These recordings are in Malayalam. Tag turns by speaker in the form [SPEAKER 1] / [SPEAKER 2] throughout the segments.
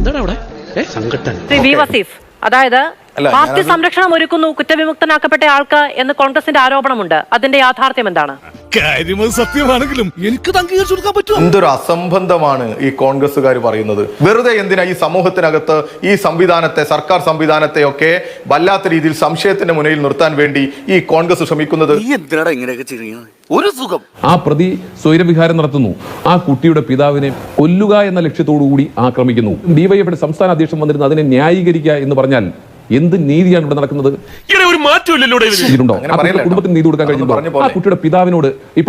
[SPEAKER 1] എന്താണ് അവിടെ സങ്കട്ടൻ
[SPEAKER 2] വി വസീഫ്, അതായത് പാർട്ടി സംരക്ഷണം ഒരുക്കുന്നു കുറ്റവിമുക്തനാക്കപ്പെട്ട ആൾക്ക് എന്ന് കോൺഗ്രസിന്റെ ആരോപണമുണ്ട്. അതിന്റെ യാഥാർത്ഥ്യം എന്താണ്?
[SPEAKER 3] സത്യമാണെങ്കിലും എനിക്ക് അംഗീകരിച്ചു കൊടുക്കാൻ പറ്റും.
[SPEAKER 4] എന്തൊരു അസംബന്ധമാണ് ഈ കോൺഗ്രസ്സുകാർ പറയുന്നത്. വെറുതെ എന്തിനാ ഈ സമൂഹത്തിനകത്ത് ഈ സംവിധാനത്തെ, സർക്കാർ സംവിധാനത്തെ ഒക്കെ വല്ലാത്ത രീതിയിൽ സംശയത്തിന്റെ മുന്നിൽ നിർത്താൻ വേണ്ടി ഈ കോൺഗ്രസ് ശ്രമിക്കുന്നത്?
[SPEAKER 5] ഒരു സുഖം.
[SPEAKER 6] ആ പ്രതി സ്വൈരവിഹാരം നടത്തുന്നു. ആ കുട്ടിയുടെ പിതാവിനെ കൊല്ലുക എന്ന ലക്ഷ്യത്തോടുകൂടി ആക്രമിക്കുന്നു. ഡിവൈഎഫ്ഐയുടെ സംസ്ഥാന അധ്യക്ഷൻ വന്നിരുന്നു അതിനെ ന്യായീകരിക്കുക എന്ന് പറഞ്ഞാൽ എന്ത് നീതിയാണ് ഇവിടെ നടക്കുന്നത്? കുടുംബത്തിന് നീതി കൊടുക്കാൻ കഴിയുമ്പോൾ ആ കുട്ടിയുടെ പിതാവിനോട് ഇപ്പൊ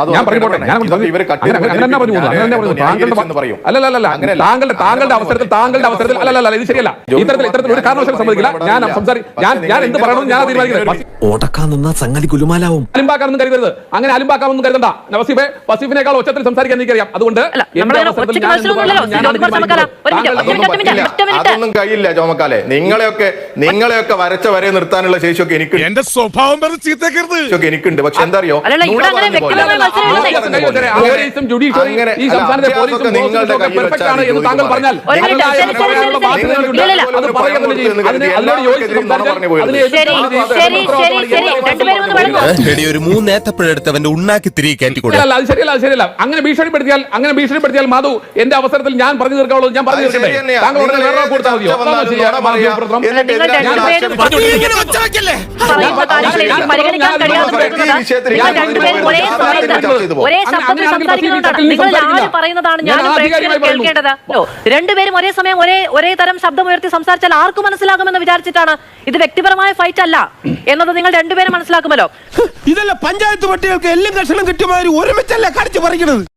[SPEAKER 6] താങ്കളുടെ അവസരത്തിൽ അല്ലല്ല, ഇത് ശരിയല്ല. ഇത്തരത്തിൽ ഒരു കാരണവശാലും സമ്മതിക്കില്ല. ഞാൻ എന്ത് പറയണമെന്ന് ഞാൻ തീരുമാനിക്കുന്നത്. അലിമ്പാക്കാമെന്ന് കരുതരുത്, അങ്ങനെ അലിമ്പാക്കാമെന്ന് കരുതണ്ട. വസീഫിനേക്കാൾ ഒച്ചത്തിൽ സംസാരിക്കാൻ എനിക്കറിയാം. അതുകൊണ്ട്
[SPEAKER 4] അതൊന്നും കഴിയില്ല ചോമക്കാലെ. നിങ്ങളെയൊക്കെ വരച്ച വരെ നിർത്താനുള്ള ശേഷിയൊക്കെ എനിക്ക്
[SPEAKER 3] എന്റെ സ്വഭാവം
[SPEAKER 4] എനിക്കുണ്ട്. പക്ഷെ എന്താ അറിയോ,
[SPEAKER 5] ഒരു മൂന്നേത്തപ്പഴെടുത്തവന്റെ ഉണ്ണാക്കി തിരികെ കയറ്റി കൊടുക്കും.
[SPEAKER 6] അത് ശരിയല്ല. അങ്ങനെ ഭീഷണിപ്പെടുത്തിയാൽ മാധു എന്റെ അവസരത്തിൽ ഞാൻ പറഞ്ഞു തീർക്കാവുള്ളൂ. ഞാൻ പറഞ്ഞു തീർക്കട്ടെ. താങ്കൾ ഉടനെ വേറെ കൊടുത്താൽ മതിയോ?
[SPEAKER 2] രണ്ടുപേരും ഒരേ സമയം ഒരേ തരം ശബ്ദമുയർത്തി സംസാരിച്ചാൽ ആർക്കും മനസ്സിലാകുമെന്ന് വിചാരിച്ചിട്ടാണ്. ഇത് വ്യക്തിപരമായ ഫൈറ്റ് അല്ല എന്നത് നിങ്ങൾ രണ്ടുപേരും മനസ്സിലാക്കുമല്ലോ.
[SPEAKER 3] ഇതല്ല പഞ്ചായത്ത് പട്ടികൾക്ക് എല്ലാം കഷണം കിട്ടിയമാതിരി ഒരുമിച്ചല്ലേ കടിച്ചു പറിക്കുന്നത്.